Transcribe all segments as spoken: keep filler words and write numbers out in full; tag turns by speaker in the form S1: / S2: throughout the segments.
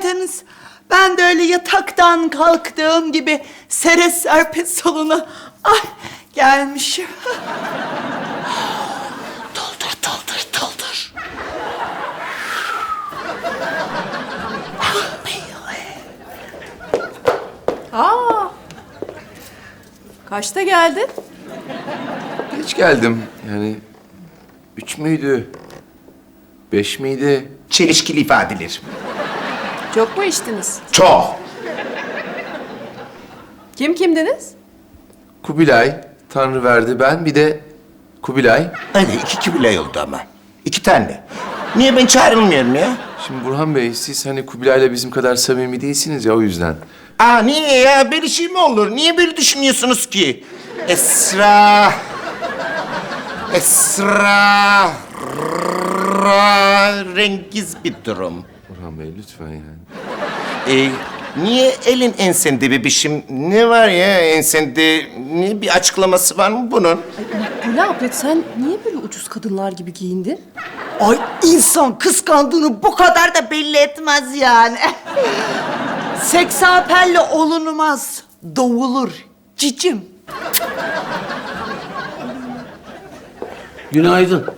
S1: geldiniz. Ben de öyle yataktan kalktığım gibi sere serpe salona ay gelmişim. Doldur, doldur, doldur.
S2: Aa, kaçta geldin?
S3: Geç geldim. Yani üç müydü? Beş miydi?
S4: Çelişkili ifadeler.
S2: Çok mu içtiniz?
S4: Çok.
S2: Kim kimdiniz?
S3: Kubilay, Tanrı verdi ben. Bir de Kubilay.
S4: Hani iki kibile oldu ama. İki tane. Niye ben çağrılmıyorum ya?
S3: Şimdi Burhan Bey, siz hani Kubilay'la bizim kadar samimi değilsiniz ya, o yüzden.
S4: Aa niye ya? Böyle şey mi olur? Niye böyle düşünüyorsunuz ki? Esra... Esra... Rengiz bir durum.
S3: Burhan Bey lütfen yani.
S4: Ee, niye elin ensende bebişim? Ne var ya ensende? Ne bir açıklaması var mı bunun?
S2: Makbule abla sen niye böyle ucuz kadınlar gibi giyindin?
S1: Ay insan kıskandığını bu kadar da belli etmez yani. Seksapelle olunmaz, doğulur cicim.
S5: Günaydın.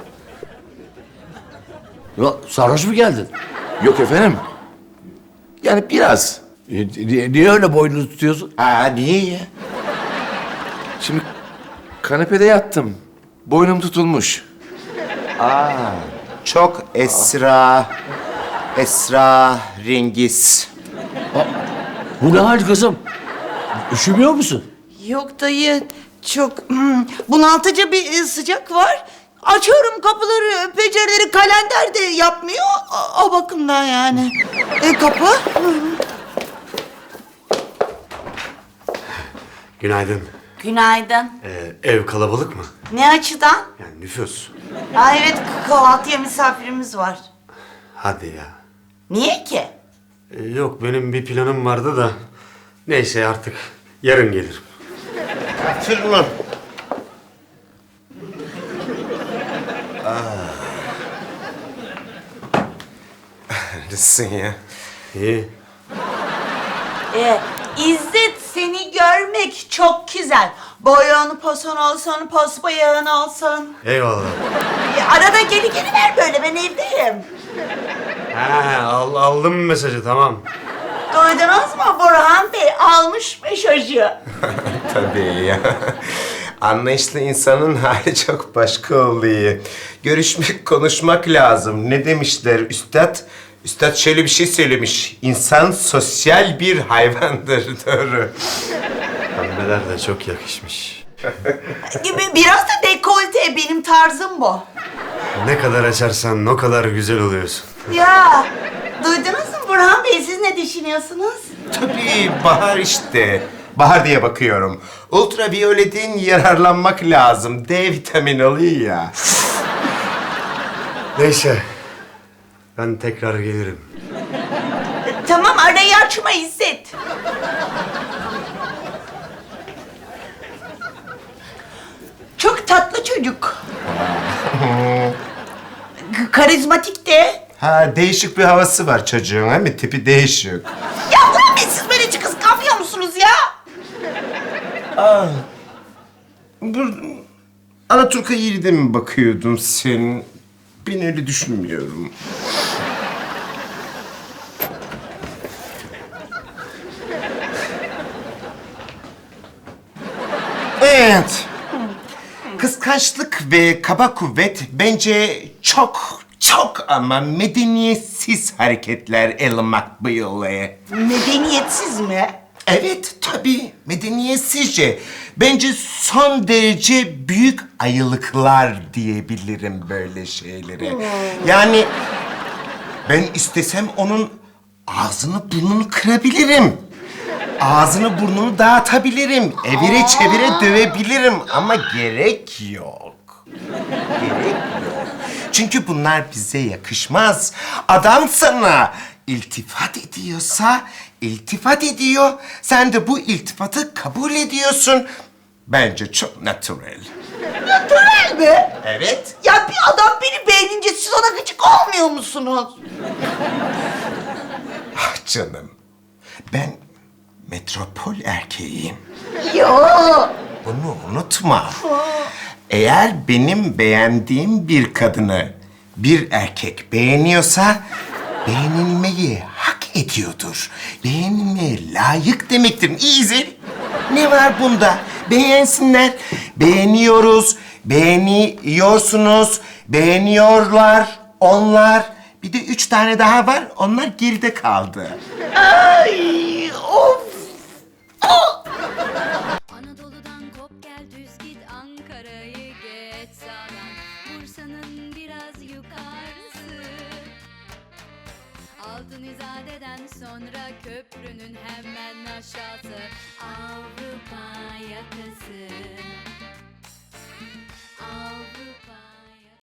S5: Ya sarhoş mu geldin?
S3: Yok efendim. Yani biraz.
S5: E, niye, niye öyle boynunu tutuyorsun?
S4: Aa niye ya?
S3: Şimdi kanepede yattım. Boynum tutulmuş.
S4: Aa çok Esra... Esra Rengiz.
S5: Bu ne hal kızım? Üşümüyor musun?
S1: Yok dayı, çok hmm, bunaltıcı bir e, sıcak var. Açıyorum kapıları, pencereleri, kalender de yapmıyor. O, o bakımdan yani. E, kapı? Hı.
S6: Günaydın.
S1: Günaydın.
S6: Ee, ev kalabalık mı?
S1: Ne açıdan?
S6: Yani nüfus.
S1: Ha evet, kahvaltıya misafirimiz var.
S6: Hadi ya.
S1: Niye ki?
S6: Ee, yok benim bir planım vardı da. Neyse artık yarın gelirim.
S4: Hatırlı. Neredesin ya?
S6: İyi.
S1: Ee, İzzet, seni görmek çok güzel. Boyun posun olsun, pos bıyığın olsun.
S6: Eyvallah.
S1: Ee, arada geri geri ver böyle, ben evdeyim.
S6: Ha, al, aldım mesajı tamam.
S1: Duydunuz mu Burhan Bey? Almış mesajı.
S4: Tabii ya. Anlayışlı insanın hali çok başka oluyor. Görüşmek, konuşmak lazım. Ne demişler üstad? Üstad şöyle bir şey söylemiş. İnsan sosyal bir hayvandır. Doğru.
S6: Pembeler de çok yakışmış.
S1: Gibi biraz da dekolte, benim tarzım bu.
S6: Ne kadar açarsan o kadar güzel oluyorsun.
S1: Ya, duydunuz mu Burhan Bey? Siz ne düşünüyorsunuz?
S4: Tabii bahar işte. Bahar diye bakıyorum. Ultraviyoleden yararlanmak lazım. D vitamini alıyor ya.
S6: Neyse. Ben tekrar gelirim.
S1: Tamam, arayı açma İzzet. Çok tatlı çocuk. K- Karizmatik de.
S4: Ha değişik bir havası var çocuğun, değil mi? Tipi değişik.
S1: Ya Burhan Bey, siz böyle hiç kıskanmıyor musunuz ya?
S4: Bu Alaturka yerine mi bakıyordun sen? Ben öyle düşünmüyorum. Evet. Kıskançlık ve kaba kuvvet bence çok çok ama medeniyetsiz hareketler Ellen McBeal.
S1: Medeniyetsiz mi?
S4: Evet, tabii. Medeniyetsizce. Bence son derece büyük ayılıklar diyebilirim böyle şeylere. Yani ben istesem onun ağzını burnunu kırabilirim. Ağzını burnunu dağıtabilirim. Evire çevire dövebilirim ama gerek yok. Gerek yok. Çünkü bunlar bize yakışmaz. Adam sana iltifat ediyorsa iltifat ediyor. Sen de bu iltifatı kabul ediyorsun. Bence çok natural.
S1: Natural mi?
S4: Evet.
S1: Ya bir adam beni beğenince siz ona gıcık olmuyor musunuz?
S4: Ah canım. Ben metropol erkeğiyim.
S1: Ya.
S4: Bunu unutma. Eğer benim beğendiğim bir kadını bir erkek beğeniyorsa beğenilmeyi hak ediyordur. Beğenilmeye layık demektir. Easy. Ne var bunda? Beğensinler. Beğeniyoruz, beğeniyorsunuz, beğeniyorlar onlar. Bir de üç tane daha var. Onlar geride kaldı.
S1: Ay, of.
S7: Anadolu'dan kop gel düz git Ankara'yı geç sağdan Bursa'nın biraz yukarısı Altın İzade'den sonra köprünün hemen aşağısı Avrupa yakası